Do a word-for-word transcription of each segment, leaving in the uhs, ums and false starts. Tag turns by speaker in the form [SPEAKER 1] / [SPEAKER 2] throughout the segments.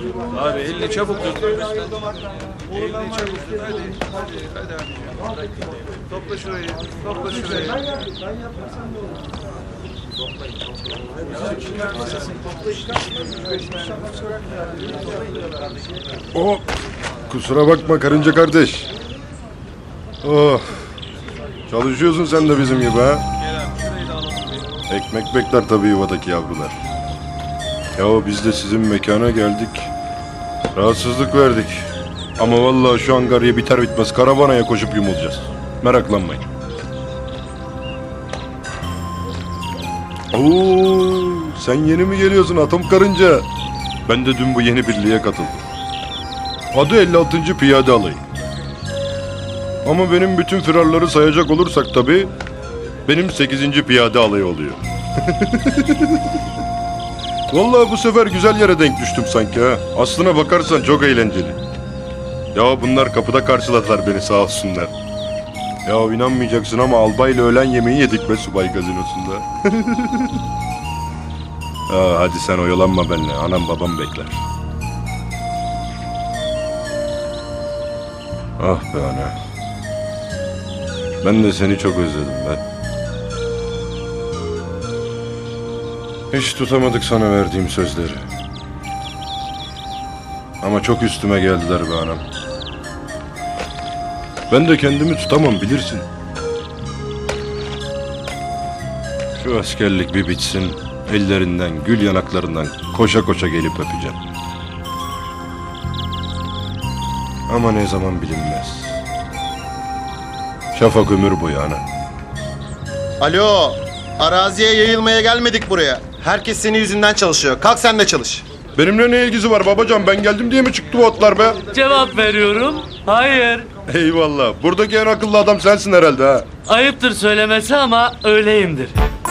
[SPEAKER 1] Abi elini çabuk tut. Elini çabuk tut. Hadi. Hadi. Hadi abi. Topla şurayı. Topla şurayı.
[SPEAKER 2] Oh, kusura bakma karınca kardeş. Oh, çalışıyorsun sen de bizim gibi ha. Ekmek bekler tabii yuvadaki yavrular. Ya biz de sizin mekana geldik. Rahatsızlık verdik. Ama vallahi şu angarya biter bitmez karavanaya koşup yumulacağız. Meraklanmayın. Oo, sen yeni mi geliyorsun atom karınca? Ben de dün bu yeni birliğe katıldım. Adı elli altıncı Piyade Alayı. Ama benim bütün firarları sayacak olursak tabii benim sekizinci Piyade Alayı oluyor. Vallahi bu sefer güzel yere denk düştüm sanki ha. Aslına bakarsan çok eğlenceli. Ya bunlar kapıda karşıladılar beni sağ olsunlar. Ya inanmayacaksın ama albayla öğlen yemeği yedik be subay gazinosunda. Aa, hadi sen oyalanma benimle. Anam babam bekler. Ah be ana. Ben de seni çok özledim be. Hiç tutamadık sana verdiğim sözleri. Ama çok üstüme geldiler be anam. Ben de kendimi tutamam bilirsin. Şu askerlik bir bitsin. Ellerinden, gül yanaklarından koşa koşa gelip öpeceğim. Ama ne zaman bilinmez. Şafak ömür boyu ana.
[SPEAKER 3] Alo, araziye yayılmaya gelmedik buraya. Herkes senin yüzünden çalışıyor. Kalk sen de çalış.
[SPEAKER 2] Benimle ne ilgisi var babacan? Ben geldim diye mi çıktı bu otlar be?
[SPEAKER 4] Cevap veriyorum. Hayır.
[SPEAKER 2] Eyvallah. Buradaki en akıllı adam sensin herhalde ha.
[SPEAKER 4] Ayıptır söylemesi ama öyleyimdir.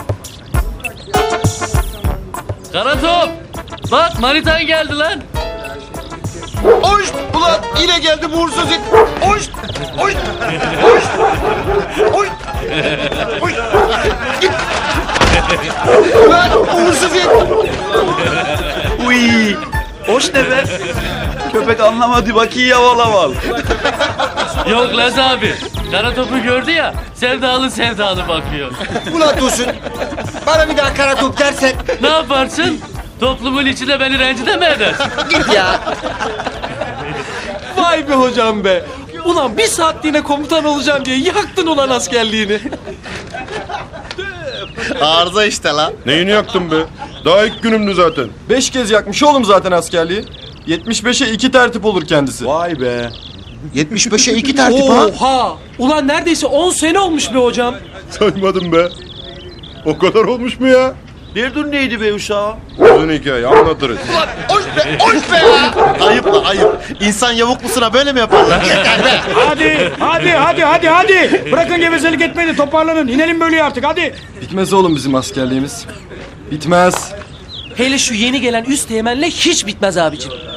[SPEAKER 4] Karatop! Bak manitan geldi lan.
[SPEAKER 3] Oş! Ulan yine geldi bu uğursuz it. Oş! Oş! Oş! Oş! Oş! Git! Ulan uğursuz it.
[SPEAKER 5] Uy, hoş ne be? Köpek anlamadı bak iyi yaval.
[SPEAKER 4] Yok Laz abi. Karatop'u gördü ya. Sevdalı sevdalı bakıyor.
[SPEAKER 3] Ulan Dursun. Bana bir daha kara top dersen.
[SPEAKER 4] Ne yaparsın? Toplumun içinde beni rencide mi edersin?
[SPEAKER 3] Git ya.
[SPEAKER 6] Vay be hocam be. Ulan bir saatliğine komutan olacağım diye yaktın ulan askerliğini.
[SPEAKER 3] Arıza işte la.
[SPEAKER 2] Neyini yaktın be? Daha ilk günümdü zaten.
[SPEAKER 6] Beş kez yakmış oğlum zaten askerliği. yetmiş beşe iki tertip olur kendisi.
[SPEAKER 5] Vay be.
[SPEAKER 3] yetmiş beşe iki tertip ha.
[SPEAKER 6] Oha! Ulan neredeyse on sene olmuş be hocam.
[SPEAKER 2] Saymadım be. O kadar olmuş mu ya?
[SPEAKER 5] Derdun neydi be uşağım?
[SPEAKER 2] Uzun hikaye anlatırız.
[SPEAKER 3] Ulan oş be, oş be ya. Ayıp la ayıp. İnsan yavuklusuna böyle mi yaparlar? Yeter be.
[SPEAKER 7] Hadi, hadi, hadi, hadi, hadi. Bırakın gevezelik etmeyi de toparlanın. İnelim böyle artık, hadi.
[SPEAKER 6] Bitmez oğlum bizim askerliğimiz. Bitmez. Hele şu yeni gelen üst teğmenle hiç bitmez abicim.